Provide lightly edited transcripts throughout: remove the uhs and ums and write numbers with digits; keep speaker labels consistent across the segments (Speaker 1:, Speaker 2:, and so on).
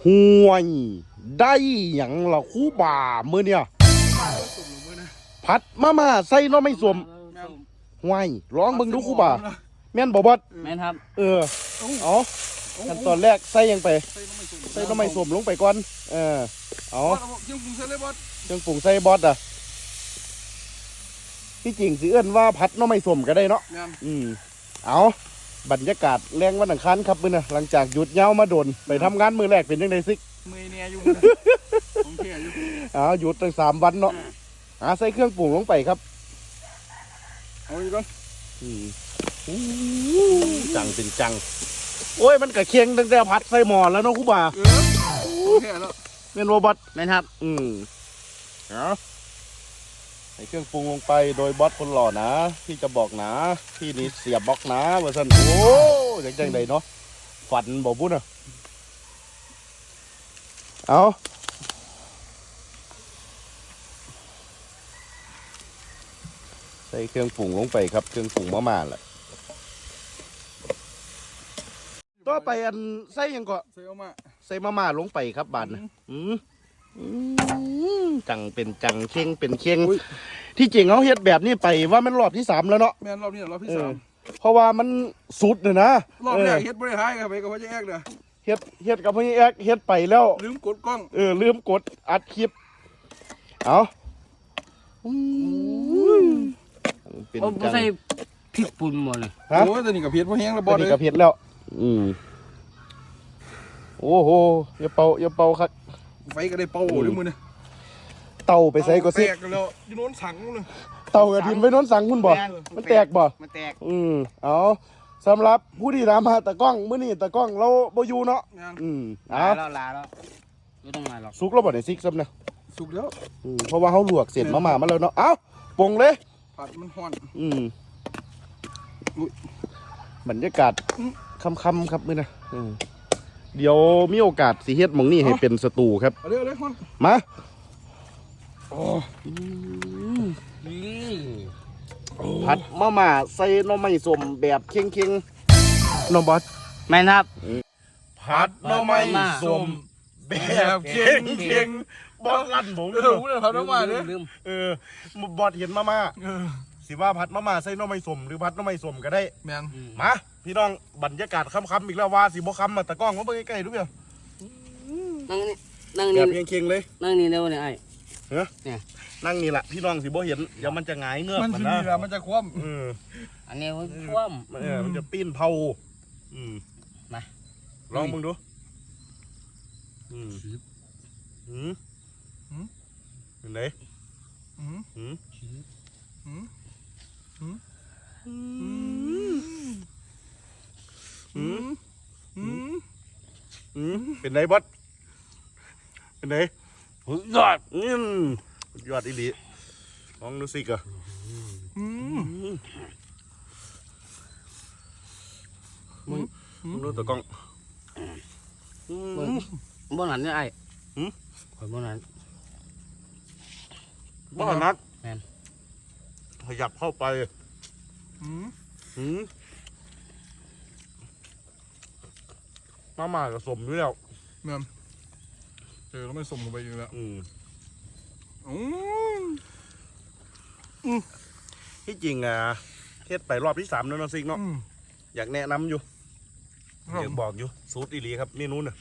Speaker 1: ห่วยได้หยังล่ะครูบ่ามื้อเนี่ยผัดมาใส่น้อไม่สวมห่วยร้องเบิ่งดูครูบ่าแม่นบ่บอส
Speaker 2: แม่นครับ
Speaker 1: เอาขั้นตอนแรกใส่ยังไปใส่น้อไม่สวมลงไปก่อนเอา
Speaker 3: เครื่องปรุงใส่เลยบอส
Speaker 1: เครื่องปรุงใส่บอสที่จริงสิเอิ้นว่าผัดน้อไม่สวมก็ได้เนาะเอาบรรยากาศแรงวันอังคารครับมื้อน่ะหลังจากหยุดยาวมาโดนไปทำงานมื้อแรกเป็นจังได๋ซิ
Speaker 3: มือเนี่ยอยู่ของเที่ยอยู่
Speaker 1: หยุดตั้ง3 วันเนาะใส่เครื่องปรุงลงไปครับ
Speaker 3: เอาอีกก่อน
Speaker 1: จังเป็นจังโอ้ยมันกะเคียงตั้งแต่ผัดใส่หม้อแล้วเนาะครูบ่า
Speaker 3: ของเที่ยแล้ว
Speaker 1: แม่นบ่บอส
Speaker 2: แม่นครับ
Speaker 1: ใส่เครื่องปรุงลงไปโดยบอสคนหล่อนะที่จะบอกนะที่นี่เสียบบล็อกนะว่าซั่นโอ้ยจังไดเนาะฝันบ่บุญเอาใส่เครื่องปรุงลงไปครับเครื่องปรุงมาแหละต่อไปอันใส่ยังก็
Speaker 3: ใส่
Speaker 1: มาม่าลงไปครับบาดนะจังเป็นจังเข่งเป็นเข่งที่จริงเขาเฮ็ดแบบนี้ไปว่ามันรอบที่3แล้วเนาะ
Speaker 3: แม่นรอบนี้รอบที่3
Speaker 1: เพราะว่ามันสุดเลยนะ
Speaker 3: รอบแรกเฮ็ดบ่ได้หายกับไปกับพ่อแจ๊กเด้อ
Speaker 1: เฮ็ดกับพ่อแอ๊กเฮ็ดไปแล้ว
Speaker 3: ลืมกดกล้อง
Speaker 1: ลืมกดอัดคลิปเอา
Speaker 2: เป็นจังใส่พริกป่นหมดเลย
Speaker 3: โอ้ยตอนนี้กับเผ็ดบ่แห้งแล้วบอส
Speaker 1: เลยกับเผ็ดแล้วโอ้โหอย่าเป่าครับ
Speaker 3: ไฟก็ได้เป่าด้วยมือเนี่ย
Speaker 1: เต่าไปใส่ก็สิ
Speaker 3: แตกแล้วอยู่โน้นสังเลย
Speaker 1: เต่ากระดิ่งไปโน้นสังคุณบ่มันแตกบ่
Speaker 2: มันแตก
Speaker 1: เอาสำหรับผู้ที่ถามหาตะกล้องมื้อนี้ตะกล้องเราบ่อยู่เนาะ
Speaker 2: ลาแล้วไม่ต้องมาหรอก
Speaker 1: สุกแล้วบ่ได้ซิกซ้ำนะ
Speaker 3: สุกแล้ว
Speaker 1: เพราะว่าเฮาลวกเสร็จมาแล้วเนาะเอ้าปรุงเลย
Speaker 3: ผัดมันฮ้อน
Speaker 1: บรรยากาศค่ำๆครับมื้อนะเดี๋ยวมีโอกาสสิเฮ็ดหม่องนี้ให้เป็นสตูครับ
Speaker 3: เอาเลยฮ้อน
Speaker 1: มาผัดมาม่าใส่หน่อไม้ส้มแบบเค็งๆน้องบอส
Speaker 2: แม่นครับ
Speaker 1: ผัดหน่อไม้ส้มแบบเค็งบอสลั่นผม
Speaker 3: ผัดมาม่าเนี่ย
Speaker 1: บอสเห็นมาม่าสิว่าผัดมาม่าใส่หน่อไม้ส้มหรือผัดหน่อไม้ส้มก็ได้
Speaker 3: แม่น
Speaker 1: มาพี่น้องบรรยากาศค่ำๆอีกแล้วว่าสิบ่ค่ำมาตะกล้องมาเบิ่งใกล้ๆดูเปล่า
Speaker 2: นั่งนี่
Speaker 1: แบบเค็งๆเลย
Speaker 2: นั่งนี่เร็วเนี่ยไอ้
Speaker 1: เนี่ยนั่งนี่แหละพี่น้องสิบ่เห็นเดี๋ยวมันจะหงายเงือก
Speaker 3: มัน
Speaker 1: นะ
Speaker 3: มันจะคว่
Speaker 2: ำอันนี้มันคว่
Speaker 1: ำมันจะปีนเผา
Speaker 2: มา
Speaker 1: ลองมึงดูเห็นไหมเป็นไงบอสเป็นไงยอดยอดอีหลีลองดูสิกะมึงดูตะกล้อง
Speaker 2: บ่หนันเนี่ยไอ้ข่อยบ่หนัน
Speaker 1: นักขยับเข้าไปมากับสมด้วยแล้ว
Speaker 3: แม่เราไม่สมลงไปอยู่แล้ว
Speaker 1: ที่จริงเฮ็ดไปรอบที่3แล้วเนาะซิกเนาะอยากแนะนำอยู่อยากบอกอยู่สูตรอีหลีครับเมนูน่ะ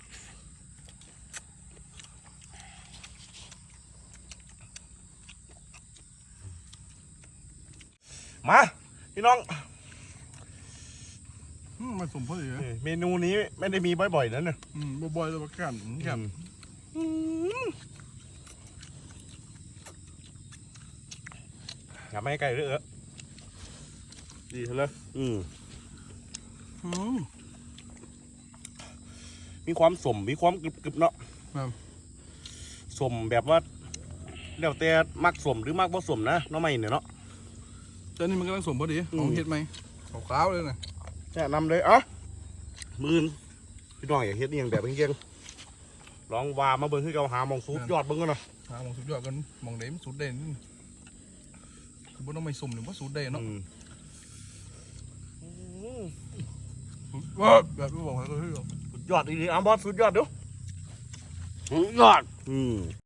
Speaker 1: มาพี่น้อง
Speaker 3: มาสมพอดี
Speaker 1: เมนูนี้ไม่ได้มีบ่อยๆนั่นน่ะ
Speaker 3: บ่อยๆแต่ว่ากัน
Speaker 1: อย่าไม่ให้ไก่เด้อดีเลยมีความสมมีความกรึบๆเนาะสมแบบว่าแล้วแต่มักสมหรือมักบ่สมนะน้องไม่เนี่ยเนาะ
Speaker 3: ตอนนี้มันกำลังสมพอดีของเห็ดไหมขาวเลยนะ
Speaker 1: แนะนำเลยมือพี่น้องอยากเฮ็ดนี่อย่างแบบเก่งๆลองวามาเบิ้งคือเราหามองสุดยอดเบิ้งกันเนาะ
Speaker 3: หามองสุดยอดกันมองเด่นสุดเด่นคือบ่ต้องไม่สมหรือว่าสุดเด่นเนาะว้าแบบไม่บอกให้เขาเฮ้ย
Speaker 1: สุดยอดดีๆบอสสุดยอดดู
Speaker 2: ยอด
Speaker 1: อืม